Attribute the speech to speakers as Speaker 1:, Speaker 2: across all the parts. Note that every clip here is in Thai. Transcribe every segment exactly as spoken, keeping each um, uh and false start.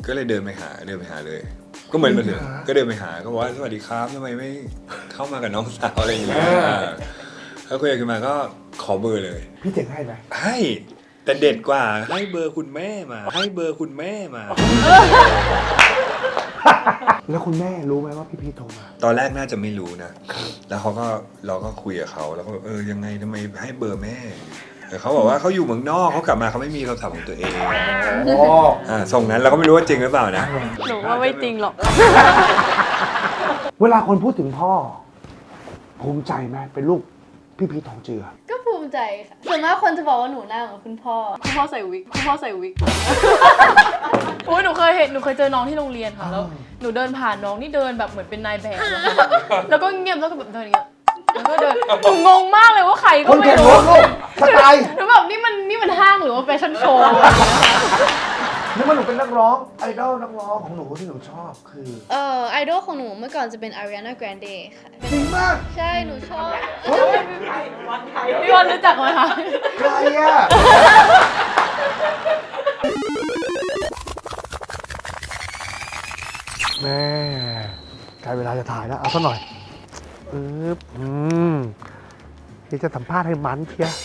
Speaker 1: ก็เลยเดินไปหาเดินไปหาเลยก็เหมือนมาถึงก็เดินไปหาก็บอกว่าสวัสดีครับทำไมไม่เข้ามากับน้องสาวอะไรอย่างเงี้ยแล้วคุยกันมาก็ขอเบอร์เลย
Speaker 2: พี่เจ๋งให้ไหม
Speaker 1: ให้แต่เด็ดกว่าให้เบอร์คุณแม่มาให้เบอร์คุณแม่มา
Speaker 2: แล้วคุณแม่รู้ไหมว่าพี่พีทโทรมา
Speaker 1: ตอนแรกน่าจะไม่รู้นะแล้วเขาก็เราก็คุยกับเขาแล้วก็เออยังไงทำไมให้เบอร์แม่แต่เขาบอกว่าเขาอยู่เมืองนอกเขากลับมาเขาไม่มีโทรศัพท์ของตัวเองอ่าส่งนั้นเราก็ไม่รู้ว่าจริงหรือเปล่านะ
Speaker 3: หนูว่าไม่จริงหรอก
Speaker 2: เวลาคนพูดถึงพ่อภูมิใจไหมเป็นลูกพี่พีททองเจือ
Speaker 4: ก็ภูมิใจค่ะส่วนมากคนจะบอกว่าหนูหน้าเหมือนคุณพ่อ
Speaker 3: คุณพ่อใส่วิกคุณพ่อใส่วิกโอ้ยหนูเคยเห็นหนูเคยเจอน้องที่โรงเรียนค่ะแล้วหนูเดินผ่านน้องนี่เดินแบบเหมือนเป็นนายแบบแล้วก็เงียบแล้วก็แบบเดินอย่างเงี้ยแล้วก็เดินหนูงงมากเลยว่าใครก็ไม่รู้
Speaker 2: สไตล์
Speaker 3: หนูแบบนี่มันนี่มันห้างหรือว่าแฟชั่นโชว์
Speaker 2: นึกว่าหนูเป็นนักร้องไอดอลนักร้องของหนูที่หนูชอบคือ
Speaker 4: เออไอดอลของหนูเมื่อก่อนจะเป็น Ariana Grande ค่ะ
Speaker 2: จริงมาก
Speaker 4: ใช่หนูชอบ
Speaker 3: พี่วันรู้จักไหมคะ
Speaker 2: ใครอะแม่ใกล้เวลาจะถ่ายแล้วเอาสักหน่อยปึ๊บอืมที่จะสัมภาษณ์ให้มันเชีย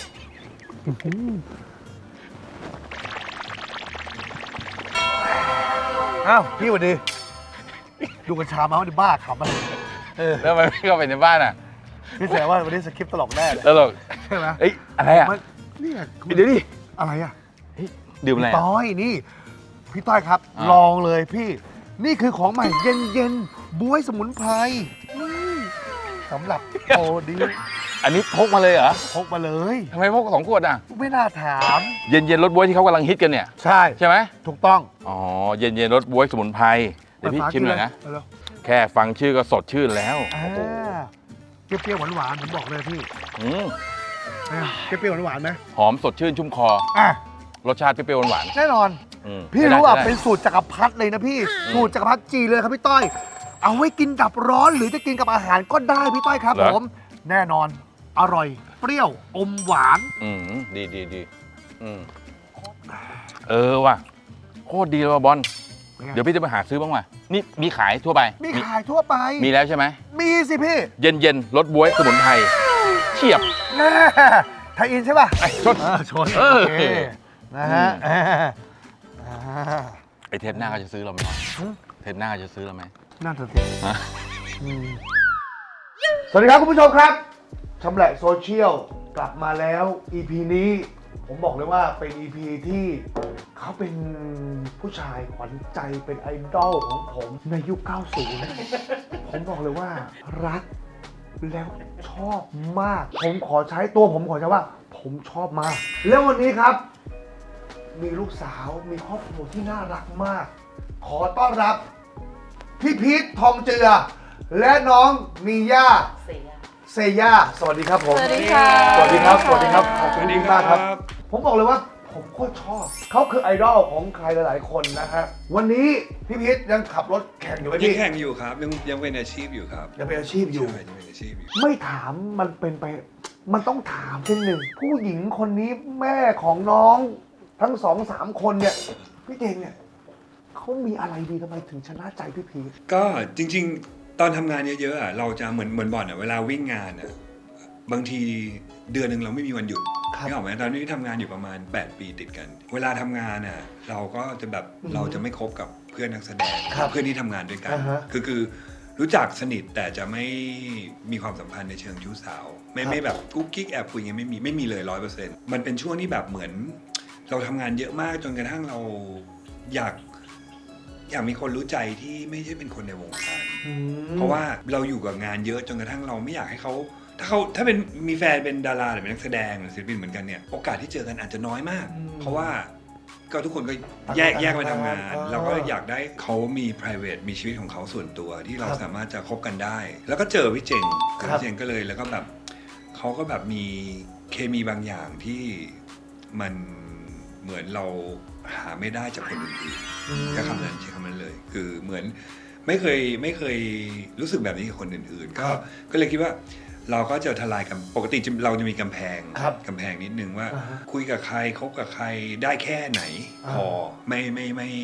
Speaker 2: อ้าวพี่สวัสดีดูกัญชามาวันนี้บ้าขำอะไร
Speaker 5: แล้วมันไม่เข้าไปในบ้านอ่ะ
Speaker 2: พี่แสดงว่าวันนี้สคริปต์ตลกแน่เลย
Speaker 5: ตลก
Speaker 2: ใช่ไหม
Speaker 5: เอ้ยอะไรอ่ะ
Speaker 2: นี่
Speaker 5: เดี๋ยวดิ
Speaker 2: อะไรอ่ะ
Speaker 5: ดื่มอะไร
Speaker 2: ต้อยนี่พี่ต้อยครับลองเลยพี่นี่คือของใหม่เย็นเย็นบ๊วยสมุนไพรสำหรับโอดิ
Speaker 5: อันนี้พกมาเลยเหรอ
Speaker 2: พกมาเลย
Speaker 5: ทำไมพกสองขวดอ่ะ
Speaker 2: ไม่น่าถาม
Speaker 5: เย็นเย็นรสบ๊วยที่เขากำลังฮิตกันเนี่ย
Speaker 2: ใช่
Speaker 5: ใช่ไหม
Speaker 2: ถูกต้อง
Speaker 5: อ๋อเย็นเย็นรสบ๊วยสมุนไพรเดี๋ยวพี่ชิมหน่อยนะแค่ฟังชื่อก็สดชื่นแล้ว
Speaker 2: เปรี้ยวๆหวานๆผมบอกเลยพี่
Speaker 5: อืม
Speaker 2: เปรี้ยวๆหวานๆไหม
Speaker 5: หอมสดชื่นชุ่มคอรสชาติเปรี้ยวๆหวาน
Speaker 2: แน่นอนพี่รู้อ่ะเป็นสูตรจักรพรรดิเลยนะพี่สูตรจักรพรรดิจีเลยครับพี่ต้อยเอาไว้กินดับร้อนหรือจะกินกับอาหารก็ได้พี่ต้อยครับผมแน่นอนอร่อยเปรี้ยวอมหวาน
Speaker 5: อืมดีดีดีอืมเออว่ะโคตรดีเลยว่ะบอลเดี๋ยวพี่จะไปหาซื้อบ้างว่ะนี่มีขายทั่วไป
Speaker 2: มีขายทั่วไป
Speaker 5: มีแล้วใช่ไหม
Speaker 2: มีสิพี่
Speaker 5: เย็นเย็นรสบ๊วยสมุนไพรเฉียบ
Speaker 2: แน่ไทยอินใช่ป่ะ
Speaker 5: ชน
Speaker 2: ชนโอเคนะฮะ
Speaker 5: ไอเทปหน้าก็จะซื้อเราไหมเทปหน้าจะซื้อเราไหม
Speaker 2: น่าจะสิสวัสดีครับคุณผู้ชมครับชำแหละโซเชียลกลับมาแล้ว อี พี นี้ผมบอกเลยว่าเป็น อี พี ที่เขาเป็นผู้ชายขวัญใจเป็นไอดอลของผมในยุค เก้าสิบ ผมบอกเลยว่ารักแล้วชอบมากผมขอใช้ตัวผมขอใช้ว่าผมชอบมากแล้ววันนี้ครับมีลูกสาวมีครอบครัวที่น่ารักมากขอต้อนรับพี่พีททองเจือและน้องมีย่าเซย่าสวัสดีครับผม
Speaker 3: สวัสดีค่ะ
Speaker 2: สวัสดีครับสวัสดีครับขอบคุณมากครับผมบอกเลยว่าผมโคตรชอบเขาคือไอดอลของใครหลายๆคนนะฮะวันนี้พี่พีทยังขับรถแข่งอยู่ไหมพี่
Speaker 1: ยังแข่งอยู่ครับยังยังเป็นอาชีพอยู่ครับ
Speaker 2: ยังเป็นอาชีพอยู่
Speaker 1: ยังเป็นอาชีพอยู่
Speaker 2: ไม่ถามมันเป็นไปมันต้องถามเช่นหนึ่งผู้หญิงคนนี้แม่ของน้องทั้งสองสามคนเนี่ยพี่เจงเนี่ยเขามีอะไรดีทำไมถึงชนะใจพี่พีท
Speaker 1: ก็จริงๆตอนทำงานเยอะๆอ่ะเราจะเหมือนเหมือนบ่อนอ่ะเวลาวิ่งงานอ่ะบางทีเดือนหนึ่งเราไม่มีวันหยุดนี่ออกไหมตอนนี้ทำงานอยู่ประมาณแปดปีติดกันเวลาทำงานอ่ะเราก็จะแบบเราจะไม่คบกับเพื่อนนักแสดงเพื่อนที่ทำงานด้วยกันคือคือรู้จักสนิทแต่จะไม่มีความสัมพันธ์ในเชิงชู้สาวไม่ไม่แบบกุ๊กกิ๊กแอบคุยอย่างไม่มีไม่มีเลยร้อยเปอร์เซ็นต์มันเป็นช่วงที่แบบเหมือนเราทำงานเยอะมากจนกระทั่งเราอยากอยากมีคนรู้ใจที่ไม่ใช่เป็นคนในวงการเพราะว่าเราอยู่กับงานเยอะจนกระทั่งเราไม่อยากให้เขาถ้าเขาถ้าเป็นมีแฟนเป็นดาราหรือเป็นนักแสดงหรือศิลปินเหมือนกันเนี่ยโอกาสที่เจอกันอาจจะน้อยมากเพราะว่าก็ทุกคนก็แยกแยกไปทำงานเราก็อยากได้เขามี private มีชีวิตของเขาส่วนตัวที่เราสามารถจะคบกันได้แล้วก็เจอพี่เจงพี่เจงก็เลยแล้วก็แบบเขาก็แบบมีเคมีบางอย่างที่มันเหมือนเราหาไม่ได้จากคนอื่นๆแค่คำนั้นใช้คำนั้นเลยคือเหมือนไม่เคยไม่เคยรู้สึกแบบนี้กับคนอื่นๆก็ก็เลยคิดว่าเราก็จะทลายกันปกติเราจะมีกำแพงกำแพงนิดนึงว่าคุยกับใครคบกับใครได้แค่ไหนพอไม่ไม่ไม่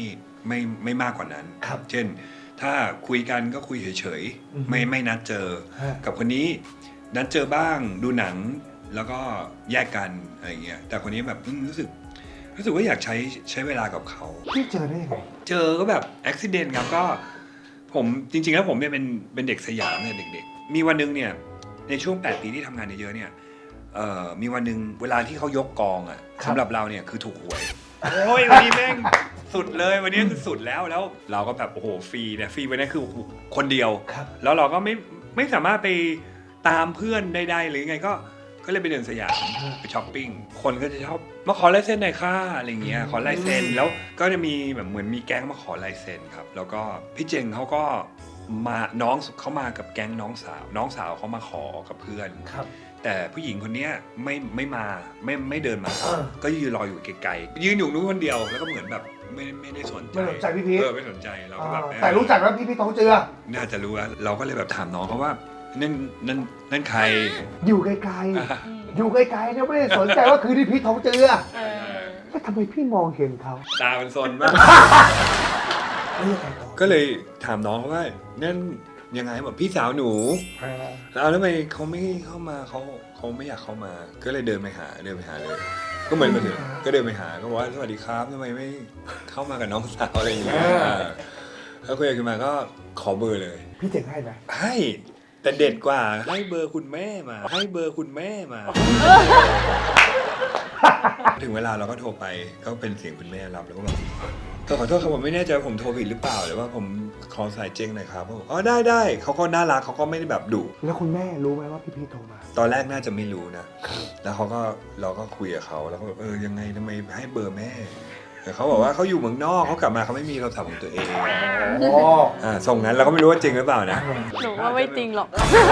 Speaker 1: ไม่ไม่มากกว่านั้น
Speaker 2: ครับ
Speaker 1: เช่น ถ้าคุยกันก็คุยเฉย
Speaker 2: อือฮึ
Speaker 1: ๆไม่ไม่นัดเจอ
Speaker 2: ฮะ
Speaker 1: กับคนนี้นัดเจอบ้างดูหนังแล้วก็แยกกันอะไรเงี้ยแต่คนนี้แบบอืมรู้สึกรู้สึกว่าอยากใช้ใช้เวลากับเขา
Speaker 2: พี่เจอได้ยังไง
Speaker 1: เจอก็แบบอุบิเหตุครับก็ผมจริงๆแล้วผมเนี่ยเป็นเป็นเด็กสยามเนี่ยเด็กๆ มีวันหนึงเนี่ยในช่วงแปดปีที่ทำงานเยอะๆเนี่ยเอ่อมีวันหนึงเวลาที่เขายกกองอ่ะ
Speaker 2: ครับ
Speaker 1: สำหรับเราเนี่ยคือถูกหวยโอ้ยวันนี้แม่งสุดเลยวันนี้คือสุดแล้วแล้วเราก็แบบโอ้โหฟรีเนี่ยฟรีวันนี้คือคนเดียว
Speaker 2: ครับ
Speaker 1: แล้วเราก็ไม่ไม่สามารถไปตามเพื่อนใดๆหรือไงก็ก็เลยไปเดินสยามไปช้อปปิ้งคนก็จะชอบมาขอลายเซ็นหน่อยค่ะอะไรเงี้ยขอลายเซ็นแล้วก็จะมีแบบเหมือนมีแก๊งมาขอลายเซ็นครับแล้วก็พี่เจงเขาก็มาน้องเขามากับแก๊งน้องสาว น้องสาวเขามาขอกับเพื่อน
Speaker 2: ครับ
Speaker 1: แต่ผู้หญิงคนเนี้ยไม่ไม่มาไม่ไม่เดินมา
Speaker 2: เออ
Speaker 1: ก็ยืนรออยู่ไกลๆยืนอยู่นู้นคนเดียวแล้วก็เหมือนแบบไม่ไม่ได้สนใจ
Speaker 2: ไม่สนใจพี่พีช
Speaker 1: เออไม่สนใจเราก็แบบ
Speaker 2: อ่าแต่รู้จักแล้วพี่พี่ทองเจือ
Speaker 1: น่าจะรู้ว่าเราก็เลยแบบถามน้องเขาว่านั่นนั่นนั่นใคร
Speaker 2: อยู่ไกลๆ อยู่ไกลๆเนี่ยไม่ได้สนใจว่าคือที่พี่ทองเจือ
Speaker 3: เออ
Speaker 2: แล้วทำไมพี่มองเห็นเขา
Speaker 1: ตามันซนมาก
Speaker 2: แล้วยังไงต่อ
Speaker 1: ก็เลยถามน้องเขาว่านั่นยังไงบอกพี่สาวหนู
Speaker 2: อ่า
Speaker 1: แล้วทำไมเขาไม่เข้ามาเขาเขาไม่อยากเข้ามา ก็เลยเดินไปหาเดินไปหาเลย ก็เหมือนมาถึงก็เดินไปหาก็บอกว่าสวัสดีครับทำไมไม่เข้ามากับน้องสาวอะไรอย่างเงี้ยแล้วคุยกันขึ้นมาก็ขอเบอร์เลย
Speaker 2: พี่เจ๋งให้ไหม
Speaker 1: ให้แต่เด็ดกว่าให้เบอร์คุณแม่มา ให้เบอร์คุณแม่มา ถึงเวลาเราก็โทรไปก็เป็นเสียงคุณแม่รับแล้วก็แบบเออขอโทษครับผมไม่แน่ใจว่าผมโทรผิดหรือเปล่าหรือว่าผมขอสายเจ๊งหน่อยครับเขาบอกอ๋อได้ได้เขาก็น่ารักเขาก็ไม่ได้แบบดุ
Speaker 2: แล้วคุณแม่รู้ไหมว่าพี่พีชโทรมา
Speaker 1: ตอนแรกน่าจะไม่รู้นะ แล้วเขาก็เราก็คุยกับเขาแล้วก็แบบเออยังไงทำไมให้เบอร์แม่แต่เขาบอกว่าเขาอยู่เมืองนอกเขากลับมาเขาไม่มีโทรศัพท์ของตัวเอง
Speaker 2: อ๋อ
Speaker 1: อ่าส่งนั้นเราก็ไม่รู้ว่าจริงหรือเปล่านะ
Speaker 3: หนูว่าไม่จริงหรอก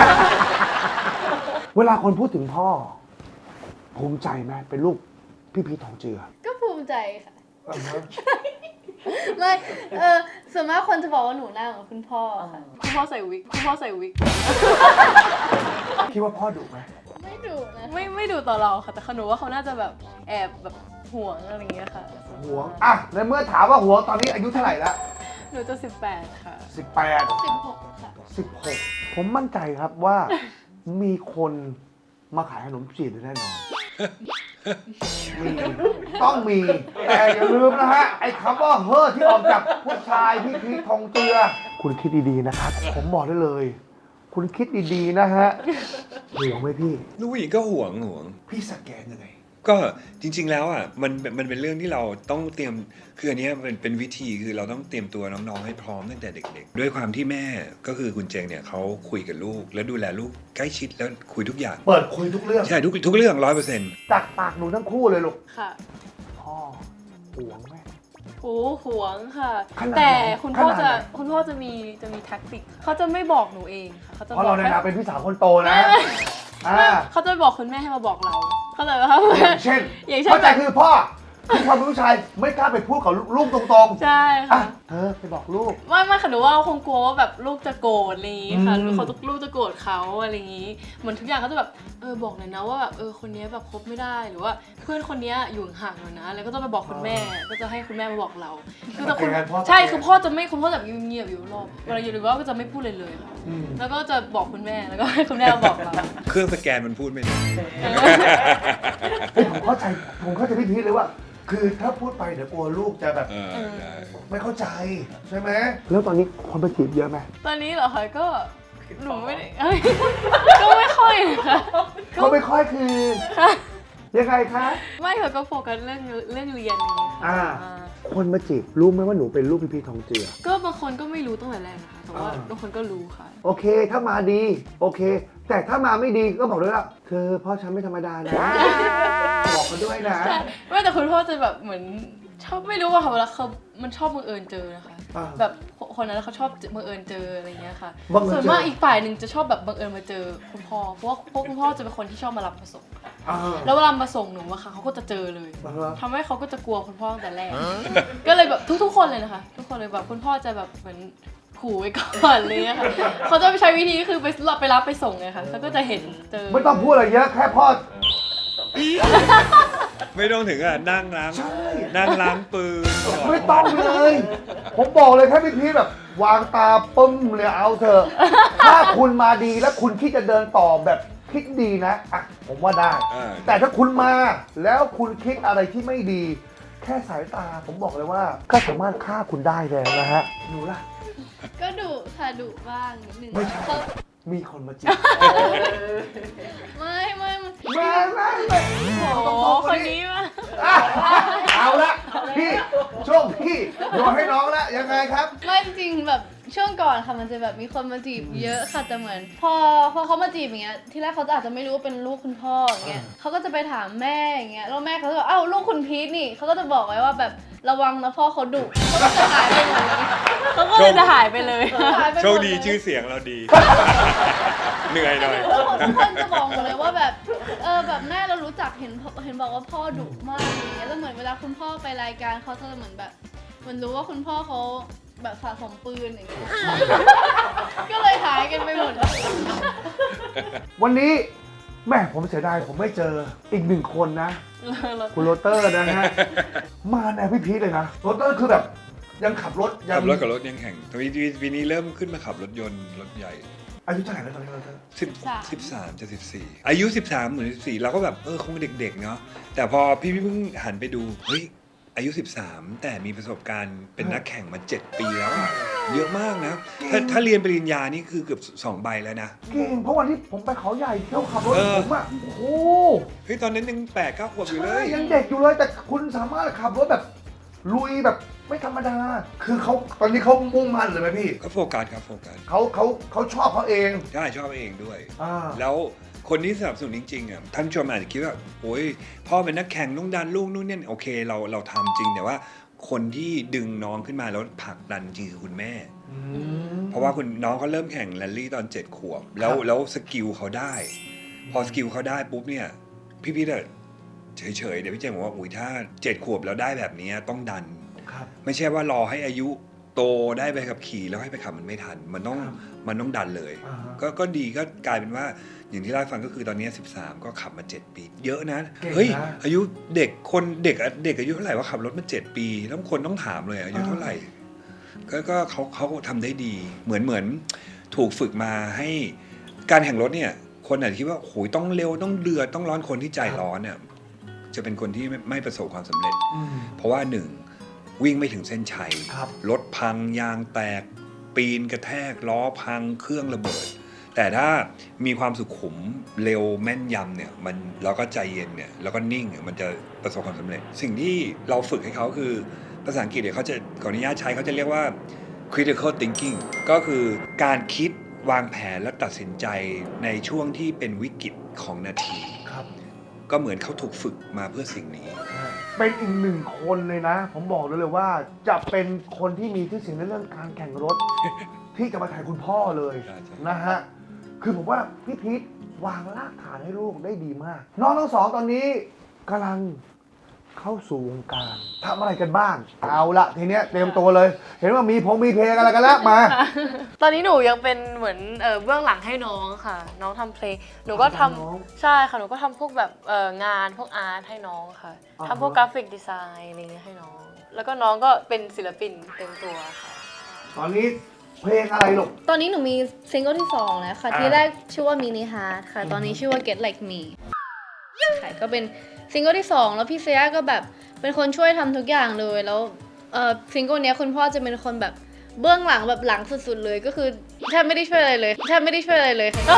Speaker 2: เวลาคนพูดถึงพ่อ ภูมิใจไหมเป็นลูกพี่พีชทองเจือ
Speaker 4: ก็ภูมิใจค่ะ
Speaker 2: อ่าฮะ
Speaker 4: ไม่ เออส่วนมากคนจะบอกว่าหนูหน้าเหมือนคุณพ่อค่ะ
Speaker 3: คุณพ่อใส่วิกคุณพ่อใส่วิก
Speaker 2: คิดว่าพ่อดุไหม
Speaker 4: ไม่ดุนะ
Speaker 3: ไม่ไม่ดูต่อเราค่ะ แต่หนูว่าเขาน่าจะแบบแอบแบบห่วงอะไรอย่างเงี้ยค่ะ
Speaker 2: หวงอ่ะในเมื่อถามว่าหวงตอนนี้อายุเท่าไหร่ละ
Speaker 3: หนูจะสิบแปดค่ะ
Speaker 2: สิบแปด
Speaker 4: สิบหกค่ะ
Speaker 2: สิบหกผมมั่นใจครับว่า มีคนมาขายขนมจีบแน่นอนมีต้องมี แต่อย่าลืมนะฮะ ไอ้คำว่าเฮ้อที่ออกจากผู้ชายพี่พีชทองเจือ คุณคิดดีๆนะครับ ผมบอกได้เลย คุณคิดดีๆนะฮะห่วงไหมพี่
Speaker 1: ลูกผู้หญิงก็ห่วงห่วง
Speaker 2: พี่สแกนยังไง
Speaker 1: ก็จริง ๆ แล้วอ่ะมันมันเป็นเรื่องที่เราต้องเตรียมคืออันเนี้ยเป็นเป็นวิธีคือเราต้องเตรียมตัวน้องๆให้พร้อมตั้งแต่เด็ก ๆ ด้วยความที่แม่ก็คือคุณเจงเนี่ยเขาคุยกับลูก แล้วดูแลลูกใกล้ชิดแล้วคุยทุกอย่าง
Speaker 2: เปิดคุยทุกเรื่อง
Speaker 1: ใช่ทุกทุกเรื่องร้อยเปอร์เซ็นต์
Speaker 2: จากปากหนูทั้งคู่เลยลูก
Speaker 3: ค่ะ
Speaker 2: พ่อห่วงไหม
Speaker 3: โอ้ห่วงค่ะ
Speaker 2: ขนาดไหน
Speaker 3: แต่คุณพ่อ
Speaker 2: ขนาด
Speaker 3: จะ
Speaker 2: ไหน
Speaker 3: คุณพ่อจะมีจะมีแท็กติกเขาจะไม่บอกหนูเองค่ะเขาจะ
Speaker 2: เพ
Speaker 3: บอ
Speaker 2: ราะ
Speaker 3: ก
Speaker 2: เราใน
Speaker 3: ให้
Speaker 2: นามเป็นพี่สาวคนโตนะ
Speaker 3: ไม่ไม่
Speaker 2: อ่า
Speaker 3: เขาจะบอกคุณแม่ให้มาบอกเราเขาเลยว่า
Speaker 2: อย่างเช่น
Speaker 3: อย่างเช่น
Speaker 2: เข้าใจคือพ่อคือความเป็นผู้ชายไม่กล้าไปพูดกับลูกตรงๆ
Speaker 3: ใช่
Speaker 2: อ่ะ
Speaker 3: ค่ะ
Speaker 2: เธอไปบอกลูก
Speaker 3: ไม่ไม่ค่ะหนูว่าคงกลัวว่าแบบลูกจะโกรธอะไรอย่างงี้ค่ะ
Speaker 2: อืม
Speaker 3: หรือเขาลูกจะโกรธเขาอะไรอย่างงี้เหมือนทุกอย่างเขาจะแบบเออบอกหน่อยนะว่าแบบเออคนนี้แบบคบไม่ได้หรือว่าเพื่อนคนนี้อยู่ห่างๆหน่อยนะแล้วก็ต้องไปบอกคุณแม่ ก็จะให้คุณแม่มาบอกเรา คือแต่คุณ
Speaker 2: เป็นไงพ่อ
Speaker 3: ใช่คือพ่อจะไม่คุณพ่อจะเงียบๆอยู่รอบเวลาอยู่หรือว่าก็จะไม่พูดเลยเลยค่ะ
Speaker 2: อืม
Speaker 3: แล้วก็จะบอกคุณแม่แล้วก็ให้คุณแม่มาบอกเรา
Speaker 1: เครื่องสแกนมันพูดไม่ได้
Speaker 2: เฮ้ยผมเข้าใจผมเข้าใจพี่พีชเลยว่า คือถ้าพูดไปเดี๋ยวกลัวลูกจะแบบ
Speaker 1: เออได้
Speaker 2: ไม่เข้าใจใช่ไหมแล้วตอนนี้คนมาจีบเยอะไหม
Speaker 3: ตอนนี้เหรอคะก็หนูไม่ได้เอ้ยก็ไม่ค่อยค่ะ
Speaker 2: ก็ไม่ค่อยคือ
Speaker 3: ค่ะ
Speaker 2: ยังไงคะ
Speaker 3: ไม่ค่ะก็โฟกัสเรื่องเรื่องเรียนอย่างนี้ค่ะ
Speaker 2: อ่า
Speaker 3: อ่า
Speaker 2: คนมาจีบรู้ไหมว่าหนูเป็นลูกพี่พีชทองเจือ
Speaker 3: ก็บางคนก็ไม่รู้ตั้งแต่แรกนะคะแต่ว่า
Speaker 2: อ่า
Speaker 3: บางคนก็รู้ค่ะ
Speaker 2: โอเค ถ้ามาดี โอเค แต่ถ้ามาไม่ดีก็บอกด้วยว่าเธอพ่อฉันไม่ธรรมดานะ บอกเขาด้วยนะ
Speaker 3: ใช่ไม่แต่คุณพ่อจะแบบเหมือนชอบไม่รู้ว่าค่ะเวลาเขามันชอบบังเอิญเจอนะคะ
Speaker 2: อ่า
Speaker 3: แบบคนนั้นเขาชอบบังเอิญเจออะไรเงี้ยค่ะ
Speaker 2: บังเอิญเจอ
Speaker 3: ส่วนมากอีกฝ่ายหนึ่งจะชอบแบบบังเอิญมาเจอคุณพ่อเพราะว่าเพราะคุณพ่อจะเป็นคนที่ชอบมารับมาส่ง
Speaker 2: อ่า
Speaker 3: แล้วเวลามาส่งหนูอะค่ะเขาก็จะเจอเลย
Speaker 2: อ่าฮะ
Speaker 3: ทำให้เขาก็จะกลัวคุณพ่อตั้งแต่แรก ก็เลยแบบทุกๆคนเลยนะคะ ทุกคนเลยแบบคุณพ่อจะแบบเหมือนขู่ไว้ก่อนเลยอะค่ะเขาจะไปใช้วิธีก็คือไปรับไปรับไปส่งไงค่ะแล้วก็จะเห็นเจอ
Speaker 2: ไม่ต้องพูดอะไรเยอะแค่พ่อ
Speaker 1: ไม่ต้องถึงอ่ะนั่งล้าง
Speaker 2: ใช่
Speaker 1: นั่งล้างปืน
Speaker 2: ไม่ต้องเลย ผมบอกเลยแค่พี่พีชแบบ วางตาปึ้มเลยเอาเถอะ ถ้าคุณมาดีแล้วคุณคิดจะเดินต่อแบบคิดดีนะอ่ะผมว่าได้
Speaker 1: อ่า
Speaker 2: แต่ถ้าคุณมาแล้วคุณคิดอะไรที่ไม่ดี แค่สายตาผมบอกเลยว่า ก็สามารถฆ่าคุณได้แล้วนะฮะหนูล่ะ
Speaker 4: ก็ดุค่ะดุบ้างนิดนึง
Speaker 2: ไม่ใช่
Speaker 4: เขา
Speaker 2: มีคนมาจีบ
Speaker 4: ไม่ไม่ไม่
Speaker 2: แม่แม่แม่
Speaker 3: โอ้โหคนนี้มา
Speaker 2: อ่ะเอาละพี่ช่วงพี่โยนให้น้องละยังไงครับ
Speaker 4: ไม่จริงๆแบบช่วงก่อนค่ะมันจะแบบมีคนมาจีบเยอะค่ะแต่เหมือน พอพอเขามาจีบอย่างเงี้ยที่แรกเขาจะอาจจะไม่รู้ว่าเป็นลูกคุณพ่ออย่างเงี้ยเขาก็จะไปถามแม่อย่างเงี้ยแล้วแม่เขาก็บอกอ้าวลูกคุณพีทนี่เขาก็จะบอกไว้ว่าแบบระวังนะพ่อเขาดุเขาก็จะหายไปหมดเลย
Speaker 3: เขาก็เลยจะหายไปเลย
Speaker 4: หายไปหม
Speaker 1: โชค
Speaker 4: เลย
Speaker 1: ดีชื่อเสียงเราดี เหนื่อยหน่อย
Speaker 4: ทุกคนจะบอกหมดเลยว่าแบบเออแบบแม่เรารู้จักเห็นเห็นบอกว่าพ่อดุมากอย่างเงี้ยแล้วเหมือนเวลาคุณพ่อไปรายการเขาจะเหมือนแบบเหมือนรู้ว่าคุณพ่อเขาแบบสะสมปืนอย่างเงี้ย ก็เลยหายกันไปหมด
Speaker 2: วันนี้แม่ผมเสียดายผมไม่เจออีกหนึ่งคนนะ คุณโรเตอร์นะฮะ มาแนวพี่พีชเลยนะโรเตอร์คือแบบยังขับรถยั
Speaker 1: ขั
Speaker 2: ง
Speaker 1: บรถกับรถยังแข่งทวีปีนี้เริ่มขึ้นมาขับรถยนต์รถใหญ่
Speaker 2: อายุเท่าไหร่แล้วตอนนี้โรเตอร์
Speaker 1: สิบสิบสามจะสิบสี่อายุสิบสามเหมือนสิบสี่เราก็แบบเออคงเด็กๆเนาะแต่พอพี่พี่เพิ่งหันไปดูเฮ้ยอายุสิบสามแต่มีประสบการณ์เป็นนักแข่งมาเจ็ดปีแล้วอะเยอะมากนะ ถ้าถ้าเรียนปริญญานี่คือเกือบสองใบแล้วนะ
Speaker 2: เก่งเพราะวันที่ผมไปเขาใหญ่เที่ยวขับรถ
Speaker 1: เออ
Speaker 2: ผมอะโอ้โห
Speaker 1: เฮ้ยตอนนั้นยังแปดเก้าขวบอยู่เล
Speaker 2: ใช่
Speaker 1: ย
Speaker 2: ยังเด็กอยู่เลยแต่คุณสามารถขับรถแบบลุยแบบไม่ธรรมดา คือเขาตอนนี้เขามุ่งมั่นเลยไหมพี่
Speaker 1: ก็โฟกัสครับโฟกัส
Speaker 2: เขาเขาเขาชอบเขาเอง
Speaker 1: ใช่ชอบเองด้วย
Speaker 2: อ่า
Speaker 1: แล้วคนที่สนับสนุนจริงๆอ่ะท่านผู้ชมอาจจะคิดว่าโอ้ยพ่อเป็นนักแข่งต้องดันลูกนู่นนี่โอเคเราเราทำจริงแต่ว่าคนที่ดึงน้องขึ้นมาแล้วผลักดันจริงคือคุณแม่
Speaker 2: อืม
Speaker 1: เพราะว่าคุณน้องเขาเริ่มแข่งแรลลี่ตอนเจ็ดขวบ แล้ว
Speaker 2: ครับ
Speaker 1: แล้วสกิลเขาได้ พอสกิลเขาได้ปุ๊บเนี่ยพี่พีทอะเฉยๆเดี๋ยวพี่เจมบอกว่าอุ้ยถ้าเจ็ดขวบแล้วได้แบบนี้ต้องดัน
Speaker 2: ครับ
Speaker 1: ไม่ใช่ว่ารอให้อายุโตได้ไปขับขี่แล้วให้ไปขับมันไม่ทัน มันต้อง
Speaker 2: ครับ
Speaker 1: มันต้องดันเลย
Speaker 2: อ่าฮะ
Speaker 1: ก็ก็ดีก็กลายเป็นว่าอย่างที่เล่าให้ฟังก็คือตอนนี้สิบสามก็ขับมาเจ็ดปี เยอะนะ
Speaker 2: เก่งนะ
Speaker 1: เฮ้ยอายุเด็กคนเด็กเด็กอายุเท่าไหร่ว่าขับรถมาเจ็ดปี แล้วคนต้องถามเลยอายุเท่าไหร่ ก็ก็เขาเขาทำได้ดีเหมือนเหมือนถูกฝึกมาให้การแข่งรถเนี่ย คนอาจจะคิดว่าโหยต้องเร็วต้องเดือดต้องร้อนคนที่ใจร้อนเนี่ยจะเป็นคนที่ไม่ไม่ประสบความสำเร็จ
Speaker 2: อืม
Speaker 1: เพราะว่าหนึ่งวิ่งไม่ถึงเส้นชัย
Speaker 2: ครับ
Speaker 1: รถพังยางแตก ปีนกระแทกล้อพังเครื่องระเบิด แต่ถ้ามีความสุขุมเร็วแม่นยำเนี่ยมันแล้วก็ใจเย็นเนี่ยแล้วก็นิ่งเนี่ยมันจะประสบความสำเร็จ สิ่งที่เราฝึกให้เขาคือภาษาอังกฤษเนี่ยเขาจะขออนุญาตใช้เขาจะเรียกว่า critical thinking ก็คือการคิดวางแผนและตัดสินใจในช่วงที่เป็นวิกฤตของนาที
Speaker 2: ครับ
Speaker 1: ก็เหมือนเขาถูกฝึกมาเพื่อสิ่งนี้
Speaker 2: เป็นอีกหนึ่งคนเลยนะ ผมบอกเลยเลยว่าจะเป็นคนที่มีชื่อเสียงในเรื่องการแข่งรถ ที่จะมาถ่ายคุณพ่อเลย
Speaker 1: ใช่ใช่
Speaker 2: นะฮะ คือผมว่าพี่พีทวางรากฐานให้ลูกได้ดีมาก น้องทั้งสองตอนนี้กำลังเข้าสู่วงการทำอะไรกันบ้าง เอาละทีเนี้ยเตรียมตัวเลย เห็นว่ามีพงมีเพลงอะไรกันแล้วมา
Speaker 3: ตอนนี้หนูยังเป็นเหมือนเออเบื้องหลังให้น้องค่ะ น้องทำเพลงหนูก็ทำ
Speaker 2: ทำน้อง
Speaker 3: ใช่ค่ะหนูก็ทำพวกแบบเอองานพวกอาร์ตให้น้องค่ะ
Speaker 2: อ่าฮะ
Speaker 3: ทำพวกกราฟิกดีไซน์อะไรเงี้ยให้น้อง แล้วก็น้องก็เป็นศิลปินเต็มตัวค่ะ
Speaker 2: ตอนนี้เพลงอะไรลูก
Speaker 4: ตอนนี้หนูมีซิงเกิลที่สองแล้วค่ะ
Speaker 2: อ่า
Speaker 4: ที่แรกชื่อว่า Mini Heart ค่ะ ตอนนี้ชื่อว่า Get Like Me ค่ะก็เป็นซิงเกิลที่สองแล้วพี่เซียก็แบบเป็นคนช่วยทำทุกอย่างเลยแล้วเอ่อซิงเกิลเนี้ยคุณพ่อจะเป็นคนแบบเบื้องหลังแบบหลังสุดๆเลยก็คือแทบไม่ได้ช่วยอะไรเลยแทบไม่ได้ช่วยอะไรเลยค่ะ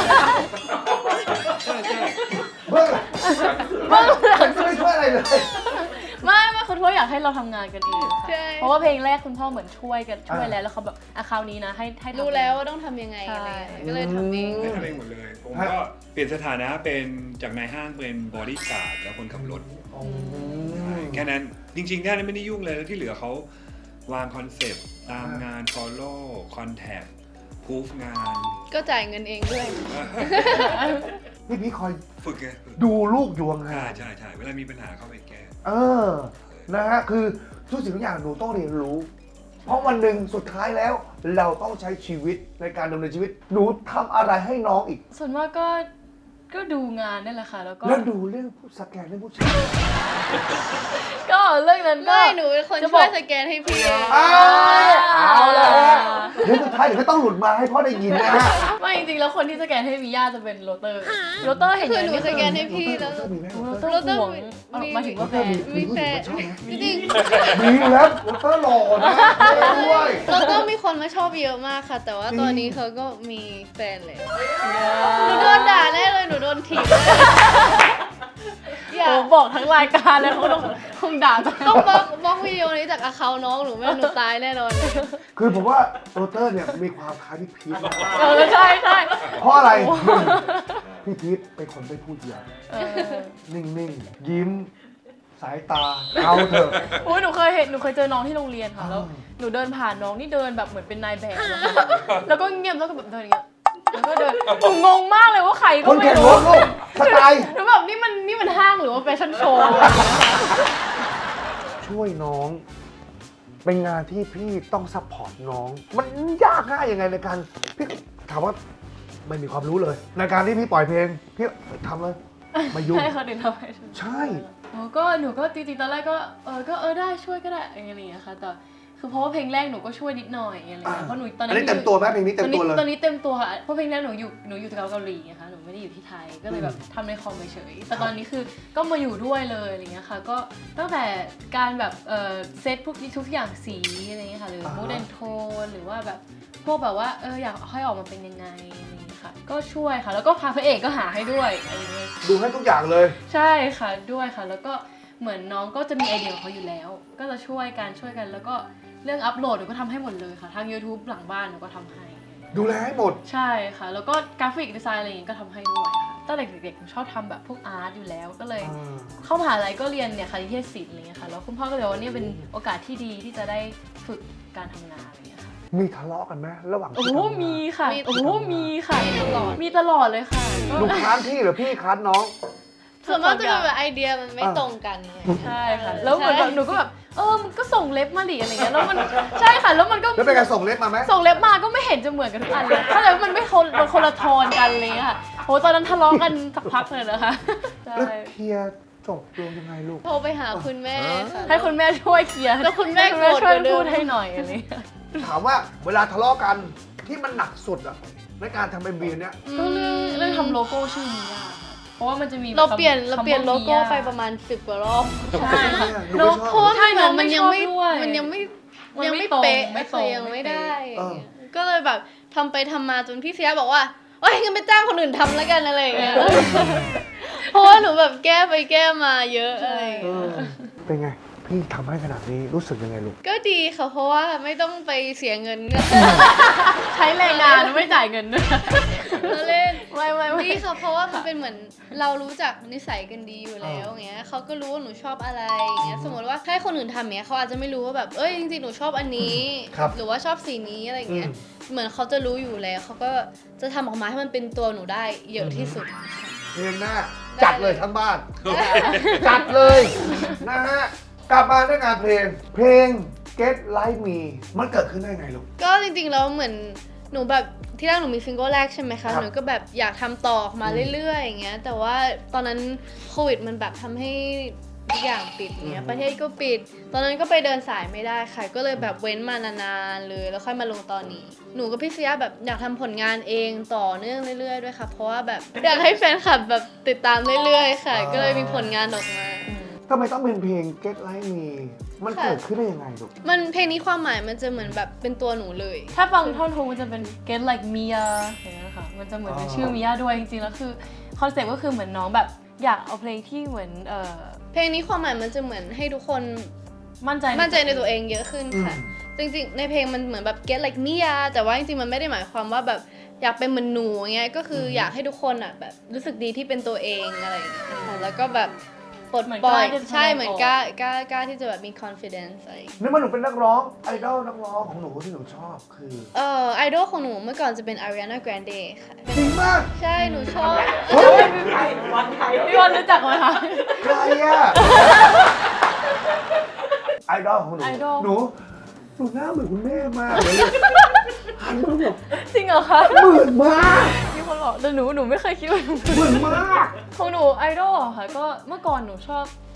Speaker 2: เบื้องหลัง
Speaker 3: เบื้องหลัง
Speaker 2: ไม่ช่วยอะไรเลย
Speaker 3: ไม่ไม่คุณพ่ออยากให้เราทำงานกันเอง
Speaker 4: ใช่
Speaker 3: ค่ะเพราะว่าเพลงแรกคุณพ่อเหมือนช่วยกันช่วยแล้วแล้วเขาแบบอ่ะคราวนี้นะให้ให้ทำ
Speaker 4: รู้แล้วว่าต้องทำยังไงอะไรอย่างเงี้ยก็เลยทำเอง
Speaker 1: ไม่ทำเองหมดเลย ผมก็เปลี่ยนสถานะเป็นจากนายห้างเป็นบอดี้การ์ดแล้วคนขับรถ
Speaker 2: อ๋อ
Speaker 1: แค่นั้นจริงๆแค่นั้นไม่ได้ยุ่งเลยแล้วที่เหลือเขาวางคอนเซปต์ตามงาน follow contact proof งาน
Speaker 4: ก็จ่ายเงินเองด้วย
Speaker 2: พี่พีทคอย
Speaker 1: ฝึกไง
Speaker 2: ดูลูกอยู่
Speaker 1: ใช่
Speaker 2: ห่าง
Speaker 1: ใช่ใช่เวลามีปัญหาเข้าไปแก้
Speaker 2: ๆเออ นะฮะ คือทุกสิ่งทุกอย่างหนูต้องเรียนรู้ เพราะวันหนึ่งสุดท้ายแล้ว เราต้องใช้ชีวิตในการดำเนินชีวิต หนูทำอะไรให้น้องอีก
Speaker 3: ส่วนมากก็ก็ดูงานนั่นแหละค่ะ แล้วก็
Speaker 2: แล้วดูเรื่องผู้สแกนเรื่องผู้ชาย
Speaker 3: ก็เรื่องนั้นก็
Speaker 4: ไม่หนูเป็นคน
Speaker 3: จะบ
Speaker 4: ช่
Speaker 3: อ
Speaker 4: ว
Speaker 3: ก
Speaker 4: ยสแกนให้พี่
Speaker 2: อ้าวเอาละเดี๋ยวสุดท้ายเดี๋ยวก็ต้องหลุดมาให้พ่อได้ยินนะฮะ
Speaker 3: ไม่จริงๆแล้วคนที่สแกนให้มีย่าจะเป็นโรเตอร์โรเตอร์เห็น
Speaker 4: คือ
Speaker 3: อย่าง
Speaker 4: หนู
Speaker 3: นี้
Speaker 4: สแกนให้พี่แล้ว
Speaker 2: มีไหม
Speaker 3: โรเตอร์
Speaker 4: โรเตอร์
Speaker 3: ห่วง
Speaker 4: มี
Speaker 3: หมายถึงว่าแฟน
Speaker 4: มีแฟน
Speaker 2: ชอบไหม
Speaker 4: จริง
Speaker 2: มีอยู่แล้ววอเตอร์หล่อนะด้วย
Speaker 4: ๆแล้วก็มีคนมาชอบเยอะมากค่ะ แต่ว่าตอนนี้เขาก็มีแฟนแล้วหนูโดนด่าแน่เลยหนูโดนถีบแน่อย่า
Speaker 3: โอ้บอกทั้งรายการเลยเขาต้องคงด่าจัง
Speaker 4: ต้องบล็อกบล็อกวิดีโอนี้จากอาเคาน้องหนูไม่งั้นหนูตายแน่นอนเลย
Speaker 2: คือผมว่าวอเตอร์เนี่ยมีความคล้ายพี่พีทมาก
Speaker 3: เออใช่ใช่
Speaker 2: เพราะอะไรหนึ่งพี่พีทเป็นคนไม่พูดเยอะ
Speaker 3: เออ
Speaker 2: นิ่งๆ ยิ้ม สายตา เอาเถอะ
Speaker 3: โอ้ยหนูเคยเห็นหนูเคยเจอน้องที่โรงเรียนค่ะแล้ว
Speaker 2: อ้าว
Speaker 3: หนูเดินผ่านน้องนี่เดินแบบเหมือนเป็นนายแบบอะค่ะแล้วก็เงียบแล้วก็แบบเดินอย่างเงี้ยแล้วก็เดินหนูงงมากเลยว่าใคร
Speaker 2: ค
Speaker 3: ก็
Speaker 2: น
Speaker 3: ไม่
Speaker 2: แข่งร
Speaker 3: รู้
Speaker 2: ถลูกสไตล์
Speaker 3: หนูแบบนี่มันนี่มันห้างหรือว่าแฟชั่นโชว์
Speaker 2: ช่วยน้อง เป็นงานที่พี่ต้องซัพพอร์ตน้อง มันยากง่ายยังไงในการพี่ถามว่าไม่มีความรู้เลย ในการที่พี่ปล่อยเพลง พี่ทำเลยไมายุ่ง
Speaker 3: ให้เขาเดินทำไม
Speaker 2: ใช่
Speaker 3: โอ้ก็หนูก็จริงๆตอนแรกก็เออก็เออได้ช่วยก็ได้อะไรอย่างเงี้ยค่ะแต่คือเพราะว่าเพลงแรกหนูก็ช่วยนิดหน่อยอะไรอย่างเงี้ยเพราะหนูตอน
Speaker 2: อั
Speaker 3: นั้น น
Speaker 2: นี้เต็มตัวไหมเพลงนี้เต็มตัวเลย
Speaker 3: ตอนนี้เต็มตัวค่ะเพราะเพลงแรกหนูอยู่หนูอยู่ที่เกาหลีนะคะหนูไม่ได้อยู่ที่ไทยก็เลยแบบทำในคอมเฉยๆแต่ตอนนี้คือก็มาอยู่ด้วยเลยอะไรเงี้ยค่ะก็ตั้งแต่การแบบเออเซตพวกทุกอย่างสีอะไรเงี้ยค่ะหรือ
Speaker 2: อ่าฮะ
Speaker 3: มูดแอนโทนหรือว่าแบบพวกแบบว่าเอออยากให้ออกมาเป็นยังไงอะไรเงี้ยค่ะก็ช่วยค่ะแล้วก็พาพระเอกก็หาให้ด้วยอะไรเงี้ย
Speaker 2: ดูให้ทุกอย่างเลย
Speaker 3: ใช่ค่ะด้วยค่ะ แล้วก็เหมือนน้องก็จะมีไอเดียของเขาอยู่แล้ว ก็จะช่วยกันช่วยกันแล้วก็เรื่องอัพโหลดหนูก็ทำให้หมดเลยค่ะทาง YouTube หลังบ้านหนูก็ทำให้
Speaker 2: ดูแลให้หมด
Speaker 3: ใช่ค่ะ แล้วก็กราฟิกดีไซน์อะไรอย่างงี้ก็ทำให้ด้วยค่ะตั้งแต่เด็กๆหนูชอบทำแบบพวกอาร์ตอยู่แล้วก็เลย เข้ามหาลัยก็เรียนเนี่ยคณิตเทศศิลป์อะไรเงี้ยค่ะแล้วคุณพ่อก็เลยว่าเนี่ยเป็นโอกาสที่ดีที่จะได้ฝึกการทำงานอะไรเงี้ยค่ะ
Speaker 2: มีทะเลาะกันไหมระหว่าง
Speaker 3: โอ้
Speaker 2: ที่
Speaker 3: โห
Speaker 2: ทำงาน
Speaker 3: มีค่ะ
Speaker 4: มี
Speaker 3: โอ้โหมีค่ะ
Speaker 4: มีตลอด
Speaker 3: มีตลอดเลยค่ะก็
Speaker 2: หนูค้านพี่หรือพี่ค้านน้อง
Speaker 4: ส่วนมากจะเป็นแบบไอเดียมันไม่ตรงกันอะไรอย่างเงี้ย
Speaker 3: ใช่ค่ะแล้วเหมือนแบบหนูก็แบบเออมันก็ส่งเล็บมาดิอะไรเงี้ยแล้วมันใช่ค่ะแล้วมันก็
Speaker 2: แล้วเป็นการส่งเล็บมาไหม
Speaker 3: ส่งเล็บมาก็ไม่เห็นจะเหมือนกันทุกอันเลยถ้าเลยมันไม่คนมันคนละโทนกันเลยค่ะโหตอนนั้นทะเลาะกันสักพักเลยนะคะใช่
Speaker 2: แล้วเคลียร์จบลงยังไงลูก
Speaker 4: โทรไปหาคุณแม่ค่ะ
Speaker 3: ให้คุณแม่ช่วยเคลียร์
Speaker 4: แล้วคุณแม่
Speaker 3: ให้คุณแม่
Speaker 4: โกรธ
Speaker 3: ช่วย
Speaker 4: กว่าเดิม
Speaker 3: พูดให้หน่อยอะไรเงี้ย
Speaker 2: ถามว่าเวลาทะเลาะกันที่มันหนักสุดอะในการทำเอ็มวีเนี้ย
Speaker 3: ก็เรื่องเรื่องทำโลโก้ชื่อมิยาค่ะเพราะว่ามันจะมี
Speaker 4: เราเปลี่ยน
Speaker 3: คำ
Speaker 4: เราเปลี่ยน
Speaker 3: คำ
Speaker 4: โล
Speaker 3: ว่า
Speaker 4: โก้
Speaker 3: มิย
Speaker 4: ไปประมาณสิบกว่ารอบ
Speaker 3: ใช่ค่ะ
Speaker 2: หนู
Speaker 3: โล
Speaker 2: ไม่ชอบ
Speaker 4: เพราะว่า
Speaker 3: ใช่
Speaker 4: มันเหมือนมันยังไม่
Speaker 3: น้องไม่ชอบด้วย
Speaker 4: มันยังไม่
Speaker 3: มัน
Speaker 4: ยัง
Speaker 3: ไม่
Speaker 4: ไม่
Speaker 3: ตรง
Speaker 4: เป๊ะ
Speaker 3: ไม่ตรง
Speaker 4: คือยังไม่ได้
Speaker 2: เออ
Speaker 4: ก็เลยแบบทำไปทำมาจนพี่เสียบอกว่าโอ๊ยงั้นไปจ้างคนอื่นทำแล้วกันอะไรอย่างเงี้ยเพราะว่าหนูแบบแก้ไปแก้มาเยอะอะไรอย่าง
Speaker 2: เอ
Speaker 4: เงี้ย
Speaker 2: อเป็นไง พี่ทำให้ขนาดนี้รู้สึกยังไงลูก
Speaker 4: ก็ดีค่ะเพราะว่าไม่ต้องไปเสียเงิน
Speaker 3: ใช้แรงงานไม่จ่ายเงินด้วย
Speaker 4: เราเล่น
Speaker 3: ไม่ไม่ไม่
Speaker 4: ดีค่ะเพราะว่ามันเป็นเหมือนเรารู้จักนิสัยกันดีอยู่แล้วอย่างเงี้ยเขาก็รู้ว่าหนูชอบอะไรอย่างเงี้ยสมมติว่าให้คนอื่นทำเนี้ยเขาอาจจะไม่รู้ว่าแบบเอ้ยจริงๆหนูชอบอันนี้
Speaker 2: ครับ
Speaker 4: หรือว่าชอบสีนี้อะไรอย่างเงี้ย
Speaker 2: อืม
Speaker 4: เหมือนเขาจะรู้อยู่แล้วเขาก็จะทำออกมาให้มันเป็นตัวหนูได้เยอะที่สุด
Speaker 2: เพลงหน้าจัดเลยทั้งบ้าน จัดเลยนะฮะ กลับมาด้วยงานเพลง เพลง Get Like Me มันเกิดขึ้นได้ไงลูก
Speaker 4: ก็จริงๆแล้วเหมือนหนูแบบที่แรกหนูมีซิงเกิลแรกใช่ไหม
Speaker 2: ครั
Speaker 4: คะ
Speaker 2: บ
Speaker 4: หนูก็แบบอยากทำต่อออกมาเรื่อยๆอย่างเงี้ยแต่ว่าตอนนั้นโควิดมันแบบทำให้ทุกอย่างปิดเงี้ยประเทศก็ปิด ตอนนั้นก็ไปเดินสายไม่ได้ค่ะก็เลยแบบเว้นมานานๆเลยแล้วค่อยมาลงตอนนี้ หนูกับพี่เสียแบบอยากทำผลงานเองต่อเนื่องเรื่อยๆด้วยค่ะเพราะว่าแบบอยากให้แฟนคลับแบบติดตามเรื่อยๆค่ะ ก็เลยมีผลงานออกมา
Speaker 2: ทำไมต้องเป็นเพลง Get Like Me มัน
Speaker 4: ค่ะ
Speaker 2: เกิดขึ้นได้ยังไงลูก
Speaker 4: มันเพลงนี้ความหมายมันจะเหมือนแบบเป็นตัวหนูเลย
Speaker 3: ถ้าฟังท่อนฮุกมันจะเป็น get like Mia อย่างเงี้ยค่ะ มันจะเหมือนเป็นชื่อ Mia ด้วยจริงๆแล้วคือคอนเซ็ปต์ก็คือเหมือนน้องแบบอยากเอาเพลงที่เหมือนเอ่อ
Speaker 4: เพลงนี้ความหมายมันจะเหมือนให้ทุกคน
Speaker 3: มั่นใจ
Speaker 4: มั่นใจในตัวเองเยอะขึ้นค่ะ จริงๆ ในเพลงมันเหมือนแบบ get like me อะแต่ว่าจริงๆ มันไม่ได้หมายความว่าแบบอยากเป็นเหมือนหนูอย่างเงี้ย ก็คืออยากให้ทุกคนอะแบบรู้สึกดีที่เป็นตัวเองอะไรอย่างเงี้ยค่ะแล้วก็แบบปลดปล่อยใช่เหมือนกล้ากล้ากล้าที่จะแบบมี confidence อะไรอย่างเงี้ย
Speaker 2: นึกว่าหนูเป็นนักร้อง ไอดอลนักร้องของหนูที่หนูชอบคือ
Speaker 4: เอ่อไอดอลของหนูเมื่อก่อนจะเป็น Ariana Grande ค่ะ
Speaker 2: จริงมาก
Speaker 4: ใช่หนูชอบ
Speaker 2: เฮ้ย
Speaker 3: พี่วันรู้จักไหมคะ
Speaker 2: ใครอะไอดอลของหนู
Speaker 3: ไอดอล
Speaker 2: หนู หนูหน้าเหมือนคุณแม่มากเลยหันมาแบบ
Speaker 3: จริงเหรอคะ
Speaker 2: เหมือนมาก
Speaker 3: มีคนบอกแต่หนูหนูไม่เคยคิดว่าหนู
Speaker 2: เหมือนมาก
Speaker 3: ของหนูไอดอลอะค่ะก็เมื่อก่อนหนูชอบ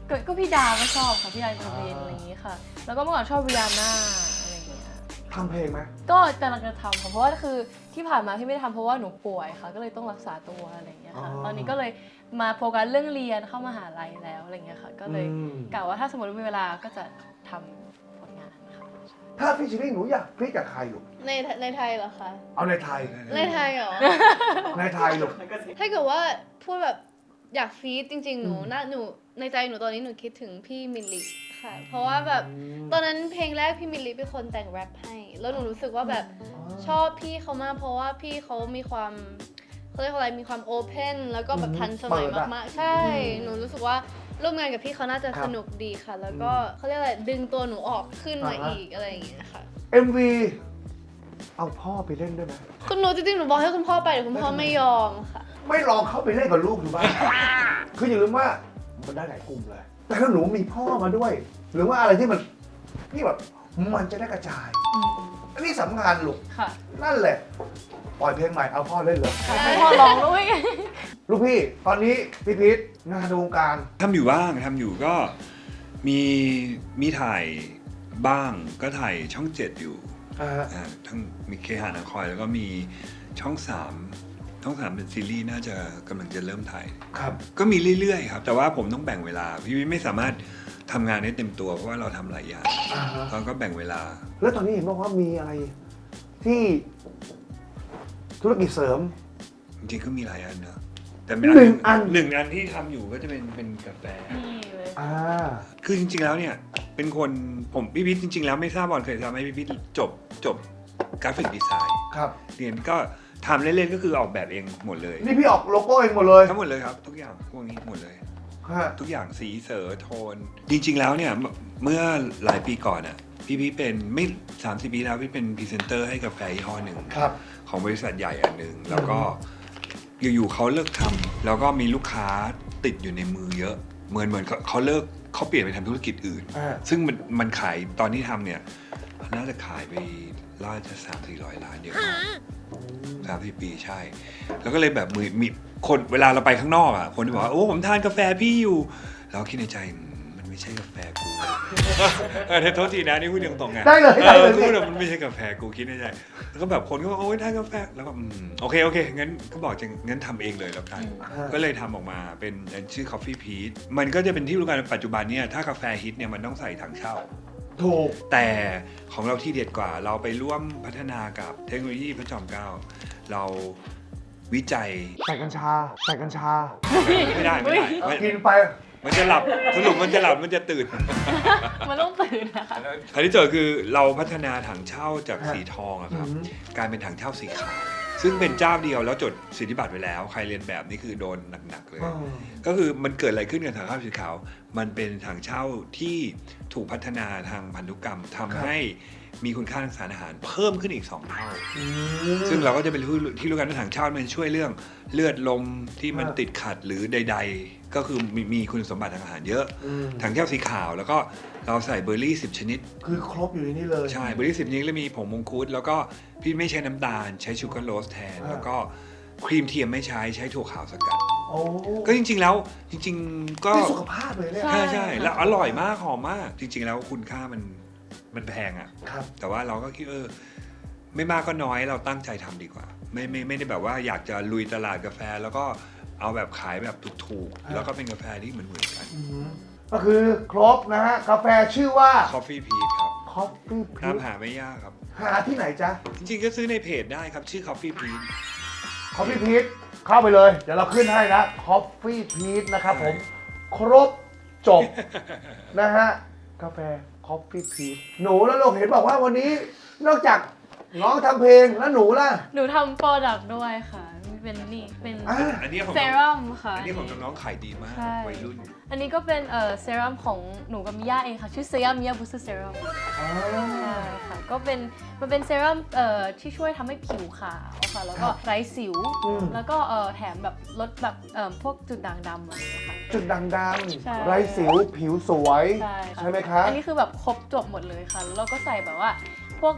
Speaker 3: ก็ก็พี่ดาวก็ชอบค่ะพี่ดาวอินเทอร์เวนอะไรอย่างงี้ค่ะ แล้วก็เมื่อก่อนชอบริยาน่าอะไรอย่างเงี้ย
Speaker 2: ทำเพลงไหม
Speaker 3: ก็กำลังจะทำค่ะเพราะว่าคือที่ผ่านมาที่ไม่ได้ทำเพราะว่าหนูป่วยค่ะก็เลยต้องรักษาตัวอะไรอย่างเงี้ยค่ะ
Speaker 2: อ๋อ
Speaker 3: ตอนนี้ก็เลยมาโฟกัสเรื่องเรียนเข้ามหาลัยแล้วอะไรอย่างเงี้ยค่ะก็เลย
Speaker 2: อืม
Speaker 3: กะว่าถ้าสมมติมีเวลาก็จะทำผลงานค่ะ
Speaker 2: ถ้าพี่ชิลี่หนูอยากพี่กับใครลูก
Speaker 4: ในในไทยเหรอคะ
Speaker 2: เอาในไทย
Speaker 4: ในไทยเหรอ
Speaker 2: ในไทยลูก
Speaker 4: ถ้าเกิดว่าพูดแบบอยากฟีดจริง ๆ หนู
Speaker 2: อืม
Speaker 4: น่าหนูในใจหนูตอนนี้หนูคิดถึงพี่มิลลิค่ะ เพราะว่าแบบตอนนั้นเพลงแรกพี่มิลลิเป็นคนแต่งแรปให้ แล้วหนูรู้สึกว่าแบบชอบพี่เขามากเพราะว่าพี่เขามีความเขาเรียกว่าอะไรมีความโอเพนแล้วก็แบบทันสมัยมากๆ ใช่ หนูรู้สึกว่าร่วมงานกับพี่เขาน่าจะสนุกดีค่ะ แล้วก็เขาเรียกอะไรดึงตัวหนูออกขึ้นมาอีกอะไรอย่างเงี้ยค่ะ
Speaker 2: เอ็มวีเอาพ่อไปเล่นด้วยไหม
Speaker 4: คุณหนูจริงๆหนูบอกให้คุณพ่อไปแต่คุณพ่อไม่ยอมค่ะ
Speaker 2: ไม่ลองเข้าไปเล่นกับลูกดูบ้าง คืออย่าลืมว่ามันได้หลายกลุ่มเลย แต่ถ้าหนูมีพ่อมาด้วย หรือว่าอะไรที่มันนี่แบบมันจะได้กระจาย อันนี้สำคัญลูก
Speaker 3: ค่ะ
Speaker 2: นั่นแหละ ปล่อยเพลงใหม่เอาพ่อเล่นเลย
Speaker 3: ให้พ่อร้องด้วย
Speaker 2: ลูกพี่ตอนนี้พี่พีทงานในวงการ
Speaker 1: ทำอยู่บ้างทำอยู่ก็มีมีถ่ายบ้างก็ถ่ายช่องเจ็ดอยู่
Speaker 2: อ่า
Speaker 1: อ่าทั้งมีเคหานาคอยแล้วก็มีช่องสามช่องสามเป็นซีรีส์น่าจะกำลังจะเริ่มถ่าย
Speaker 2: ครับ
Speaker 1: ก็มีเรื่อยๆครับ แต่ว่าผมต้องแบ่งเวลาพี่ไม่สามารถทำงานได้เต็มตัวเพราะว่าเราทำหลายอย่าง
Speaker 2: อ่าฮะ
Speaker 1: เราก็แบ่งเวลา
Speaker 2: แล้วตอนนี้เห็นบอกว่ามีอะไรที่ธุรกิจเสริม
Speaker 1: จริงๆก็มีหลายอันนะแต่
Speaker 2: หนึ่งอัน
Speaker 1: หนึ่งอันที่ทำอยู่ก็จะเป็นเป็นกาแฟ
Speaker 3: นี่เลย
Speaker 2: อ่า
Speaker 1: คือจริงๆแล้วเนี่ยเป็นคนผมพี่พิษจริง ๆ แล้วไม่ทราบบอลเคยทำให้พี่พิษจบจบกราฟิกดีไซน์
Speaker 2: ครับ
Speaker 1: เรียนก็ทำเล่นๆก็คือออกแบบเองหมดเลย
Speaker 2: นี่พี่ออกโลโก้เองหมดเลย
Speaker 1: ทั้งหมดเลยครับ ทุกอย่างพวกนี้หมดเลย
Speaker 2: ฮะ
Speaker 1: ทุกอย่างสีเสอโทน จริง ๆ แล้วเนี่ยเมื่อหลายปีก่อนอ่ะพี่พิษเป็นไม่สามสิบปีแล้วพี่เป็นพรีเซนเตอร์ให้กาแฟยี่ห้อหนึ่ง
Speaker 2: ครับ
Speaker 1: ของบริษัทใหญ่อันหนึ่งแล้วก็อยู่ๆเขาเลิกทำแล้วก็มีลูกค้าติดอยู่ในมือเยอะ เหมือนเหมือนเขาเขาเลิกเขาเปลี่ยนไปทำธุรกิจอื่น
Speaker 2: อ่า
Speaker 1: ซึ่งมันมันขายตอนที่ทำเนี่ยน่าจะขายไปล่าจะสามสี่ร้อยล้านเยอะมากสามสี่ปีใช่ แล้วก็เลยแบบมือมีคนเวลาเราไปข้างนอกอ่ะคนจะบอกว่าโอ้ผมทานกาแฟพี่อยู่เราคิดในใจอืมมันไม่ใช่กาแฟกู เออโทษทีนะนี่พูดตรงๆไง
Speaker 2: ได้เลย
Speaker 1: เอ
Speaker 2: ได้
Speaker 1: อ
Speaker 2: เลย
Speaker 1: พูดแบบมันไม่ใช่กาแฟกูคิดในใจแล้วก็แบบคนก็บอกโอ้ยทานกาแฟแล้วก็อืมโอเคโอเคงั้นก็บอกจะงั้นทำเองเลยแล้วกัน ก็เลยทำออกมาเป็นชื่อ Coffee Peach มันก็จะเป็นที่รู้กันปัจจุบันเนี่ยถ้ากาแฟฮิตเนี่ยมันต้องใส่ถังเช่า
Speaker 2: ถูก
Speaker 1: แต่ของเราที่เด็ดกว่าเราไปร่วมพัฒนากับเทคโนโลยีพระจอมเกล้าเราวิจัย
Speaker 2: ใส่กัญชา ใส่กัญชา
Speaker 1: ไม่ได้ไม่ได้ไม่
Speaker 2: กินไป
Speaker 1: มันจะหลับสรุปมันจะหลับมันจะตื่น
Speaker 3: มันต้องตื่นนะคะ
Speaker 1: อันที่เจอคือเราพัฒนาถังเช่าจากสีทองอะครับ
Speaker 2: อืม
Speaker 1: กลายเป็นถังเช่าสีขาวซึ่งเป็นเจ้าเดียวแล้วจดสิทธิบัตรไว้แล้ว ใครเรียนแบบนี่คือโดนหนักๆเลย
Speaker 2: อ่า
Speaker 1: ก็คือมันเกิดอะไรขึ้นกับถังเช่าสีขาว มันเป็นถังเช่าที่ถูกพัฒนาทางพันธุกรรมทำให้มีคุณค่าทางสารอาหารเพิ่มขึ้นอีกสองเท่า
Speaker 2: อืม
Speaker 1: ซึ่งเราก็จะเป็นที่ที่รู้กันว่าถังเช่ามันช่วยเรื่องเลือดลมที่มัน
Speaker 2: อ่า
Speaker 1: ติดขัดหรือใด ๆ ก็คือมีมีคุณสมบัติทางอาหารเยอะ
Speaker 2: อืม
Speaker 1: ถังเช่าสีขาวแล้วก็เราใส่เบอร์รี่สิบชนิด
Speaker 2: คือครบอยู่ในนี้เลย
Speaker 1: ใช่เบอร์รี่สิบชนิดแล้วมีผงมงคุดแล้วก็พี่ไม่ใช้น้ำตาลใช้ชูการ์โรสแทน
Speaker 2: อ่า
Speaker 1: แล้วก็ครีมเทียมไม่ใช้ใช้ถั่วขาวสกัด
Speaker 2: โอ้
Speaker 1: ก็จริง ๆ แล้วจริง ๆ ก็
Speaker 2: นี่สุขภาพเลยเนี่ย
Speaker 3: ใช่
Speaker 1: ใช่ใช่แล้วอร่อยมากหอมมาก จริง ๆ แล้วคุณค่ามันมันแพงอะ
Speaker 2: ครับ
Speaker 1: แต่ว่าเราก็คิดเออไม่มากก็น้อยเราตั้งใจทำดีกว่า ไม่ไม่ไม่ได้แบบว่าอยากจะลุยตลาดกาแฟ แล้วก็เอาแบบขายแบบถูก
Speaker 2: อ่า
Speaker 1: ๆแล้วก็เป็นกาแฟที่เหมือนเหมือนกัน
Speaker 2: อืมก็คือครบนะฮะ กาแฟชื่อว่า
Speaker 1: Coffee Peach ครับ
Speaker 2: Coffee
Speaker 1: ตาม
Speaker 2: Peach
Speaker 1: หาไม่ยากครับ
Speaker 2: หาที่ไหนจ๊ะ
Speaker 1: จริงๆก็ซื้อในเพจได้ครับ ชื่อ Coffee Peach
Speaker 2: Coffee Peach เข้าไปเลย เดี๋ยวเราขึ้นให้นะ Coffee Peach นะครับผม ครบจบ นะฮะ กาแฟ Coffee Peach หนูแล้วลูกเห็นบอกว่าวันนี้นอกจากน้องทำเพลงแล้วหนูล่ะ
Speaker 3: หนูทำโปรดักต์ด้วยค่ะเป็นนี่เป็น
Speaker 2: อ่ะ
Speaker 1: อันนี้ของ
Speaker 3: เซรั่มค่ะ
Speaker 1: อันนี้ของน้องๆขายดีมาก
Speaker 3: ใช่
Speaker 1: วัยรุ่น
Speaker 3: อันนี้ก็เป็นเอ่อเซรั่มของหนูกับมิย่าเองค่ะ ชื่อเซรั่มมิย่าบูสเตอร์เซรั่ม
Speaker 2: อ๋อ
Speaker 3: ใช่ค่ะ ก็เป็นมันเป็นเซรั่มเอ่อที่ช่วยทำให้ผิวขาวค่ะ แล้วก็ไร้สิว
Speaker 2: อืม
Speaker 3: แล้วก็เอ่อแถมแบบลดแบบเอ่อพวกจุดด่างดำอะไรอย่างเงี้ยค่ะ
Speaker 2: จุดด่างด
Speaker 3: ใช่
Speaker 2: ำไรสิวผิวสวย
Speaker 3: ใช่ค่ะ
Speaker 2: ใช่ไหมคะ
Speaker 3: อันนี้คือแบบครบจบหมดเลยค่ะ แล้วเราก็ใส่แบบว่าพวกแบบ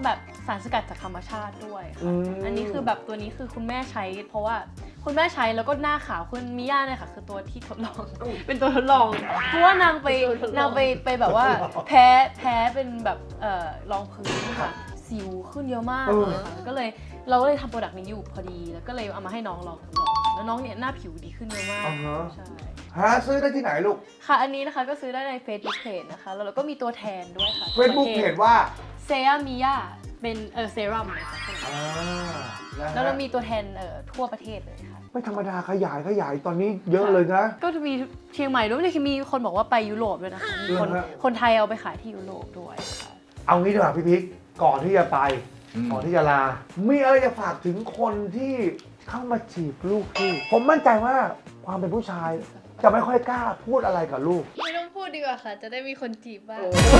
Speaker 3: สารสกัดจากธรรมชาติด้วย
Speaker 2: อื
Speaker 3: ค่ะ
Speaker 2: ม
Speaker 3: อันนี้คือแบบตัวนี้คือคุณแม่ใช้ เพราะว่าคุณแม่ใช้แล้วก็หน้าขาวคุณมิย่าเนี่ยค่ะคือตัวที่ทดลอง เป็นตัวทดลอง เพราะว่านางไป
Speaker 4: ตัวทดลอง
Speaker 3: นางไปไปแบบว่าแพ้แพ้เป็นแบบเอ่อรองพื้นค่ะ สิวขึ้นเยอะมากเลยค่ะก็เลยเราก็เลยทำโปรดักต์นี้อยู่พอดี แล้วก็เลยเอามาให้น้องลองทดลองแล้วน้องเนี่ยหน้าผิวดีขึ้นเยอะมาก
Speaker 2: อ่าฮะ
Speaker 3: ใช่
Speaker 2: หาซื้อได้ที่ไหนลูก
Speaker 3: ค่ะอันนี้นะคะก็ซื้อได้ใน Facebook Page นะคะแล้วเราก็มีตัวแทนด้วยค่ะ
Speaker 2: Facebook เพจว่า
Speaker 3: เซรามิยาเป็นเออเซรั่มนะคะ
Speaker 2: อ่านะฮะ
Speaker 3: แล้วเรามีตัวแทนเอ่อทั่วประเทศเลยค่ะ
Speaker 2: ไม่ธรรมดาขยายขยายตอนนี้เยอะเลยนะ
Speaker 3: ก็จะมีเชียงใหม่ด้วยมีคนบอกว่าไปยุโรปด้วยนะคะมีคน
Speaker 2: เหรอฮะ
Speaker 3: คนไทยเอาไปขายที่ยุโรปด้วยค่ะ
Speaker 2: เอางี้ดีกว่าพี่พิกก่อนที่จะไป
Speaker 1: อืม
Speaker 2: ก่อนที่จะลา มีอะไรจะฝากถึงคนที่เข้ามาจีบลูกพี่ผมมั่นใจว่าความเป็นผู้ชาย จะไม่ค่อยกล้าพูดอะไรกับลูก
Speaker 4: ไม่ต้องพูดดีกว่าค่ะ จะได้มีคนจีบบ้าง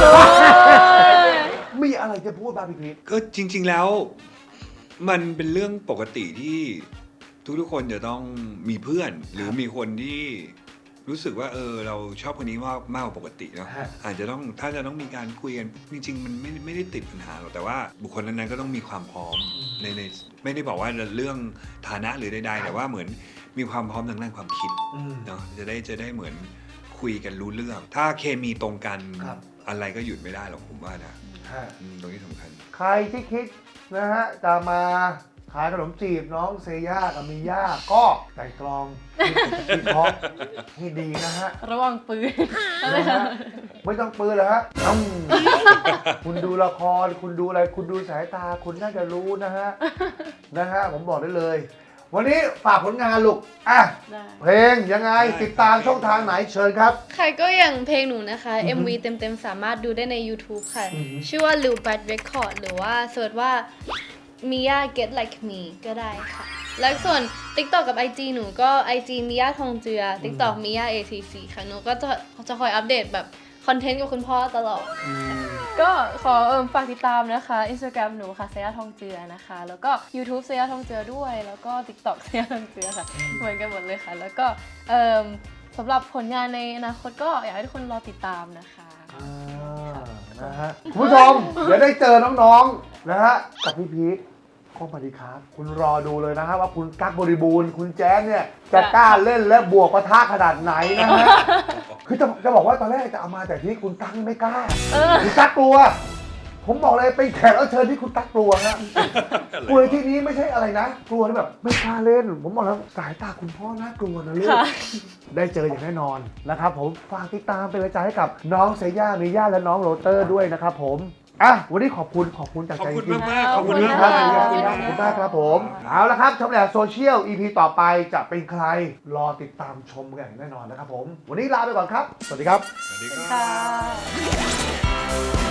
Speaker 2: มีอะไรจะพูดบ้างพี่พิก
Speaker 1: ก็จริง ๆแล้วมันเป็นเรื่องปกติที่ทุกๆคนจะต้องมีเพื่อน หรือมีคนที่รู้สึกว่าเออเราชอบคนนี้มากมากกว่าปกติเนาะ
Speaker 2: ฮะ
Speaker 1: อาจจะต้องถ้าจะต้องมีการคุยกันจริง ๆ มันไม่ไม่ได้ติดปัญหาหรอกแต่ว่าบุคคลนั้นๆก็ต้องมีความพร้อมในในไม่ได้บอกว่าเรื่องฐานะหรือใดๆแต่ว่าเหมือนมีความพร้อมทางด้านความคิด
Speaker 2: อืม
Speaker 1: เนาะจะได้จะได้เหมือนคุยกันรู้เรื่อง ถ้าเคมีตรงกัน
Speaker 2: ครับ
Speaker 1: อะไรก็หยุดไม่ได้หรอกผมว่านะ
Speaker 2: ฮะ
Speaker 1: อืมตรงนี้สำคัญ
Speaker 2: ใครที่คิดนะฮะจะมาขายขนมจีบน้องเซย่ากับมีย่าก็ไตร่ตรองวิเคราะห์ให้ดีนะฮะ
Speaker 3: ระวังปืน
Speaker 2: นะฮะไม่ต้องปืนเลยฮะอืมคุณดูละครคุณดูอะไรคุณดูสายตาคุณน่าจะรู้นะฮะนะฮะผมบอกได้เลย วันนี้ฝากผลงานลูกอ่ะ
Speaker 3: ได้
Speaker 2: เพลงยังไง
Speaker 1: ได้
Speaker 2: ติดตามช่องทางไหนเชิญครับ
Speaker 4: ค่ะก็อย่างเพลงหนูนะคะ
Speaker 2: อือฮึ
Speaker 4: เอ็ม วี เต็มๆ สามารถดูได้ใน YouTube ค่ะ
Speaker 2: อือฮึ
Speaker 4: ชื่อว่า Lil Bad Record หรือว่าเสิร์ชว่า Mia Get Like Me ก็ได้ค่ะ แล้วส่วน TikTok กับ ไอ จี หนูก็ ไอ จี Mia ทองเจือ TikTok Mia เอ ที ซี ค่ะ หนูก็จะจะคอยอัปเดตแบบคอนเทนต์กับคุณพ่อตลอด
Speaker 3: ก็ขอเอิ่มฝากติดตามนะคะ Instagram หนูค่ะเซย่าทองเจือนะคะ แล้วก็ YouTube เซย่าทองเจือด้วย แล้วก็ TikTok เซย่าทองเจือค่ะ เหมือนกันหมดเลยค่ะ แล้วก็เอิ่มสำหรับผลงานในอนาคตก็อยากให้ทุกคนรอติดตามนะคะ
Speaker 2: อ่านะฮะคุณผู้ชม เดี๋ยวได้เจอน้องๆ นะฮะ กับพี่พีทข้อมาดีครับ คุณรอดูเลยนะฮะว่าคุณกั๊กบริบูรณ์ คุณแจ๊สเนี่ย จะกล้าเล่นและบวกปะทะขนาดไหนนะฮะ คือจะจะบอกว่าตอนแรกจะเอามาแต่ที่คุณกั๊กไม่กล้า คุณกั๊กกลัว ผมบอกเลยเป็นแขกรับเชิญที่คุณกั๊กกลัวนะกลัวในที่นี้ไม่ใช่อะไรนะ กลัวแบบไม่กล้าเล่น ผมบอกแล้วสายตาคุณพ่อน่ากลัวนะลูก
Speaker 3: ค่ะ
Speaker 2: ได้เจออย่างแน่นอนนะครับผมฝากติดตามเป็นกำลังใจให้กับน้องเซย่ามิย่าและน้องโรเตอร์ด้วยนะครับผมอ่ะวันนี้ขอบคุณขอบคุณจาก
Speaker 1: ขอบ
Speaker 2: ใจ
Speaker 1: คุณ
Speaker 2: จริง
Speaker 1: มากๆขอบคุณ
Speaker 2: ๆ
Speaker 1: มาก
Speaker 2: ครับ
Speaker 1: ๆ
Speaker 2: ข
Speaker 1: ข
Speaker 2: อ
Speaker 1: อ
Speaker 2: บบ คุ
Speaker 1: คุณ ณ
Speaker 2: มาก
Speaker 1: มาก
Speaker 2: ขอบคุณมากครับผมเอาละครับชมแหละโซเชียล อี พี ต่อไปจะเป็นใครรอติดตามชมกันอย่างแน่นอนนะครับผมวันนี้ลาไปก่อนครับ สวัสดีครับ
Speaker 1: สวัสดีค
Speaker 3: ค่ะ
Speaker 1: รับ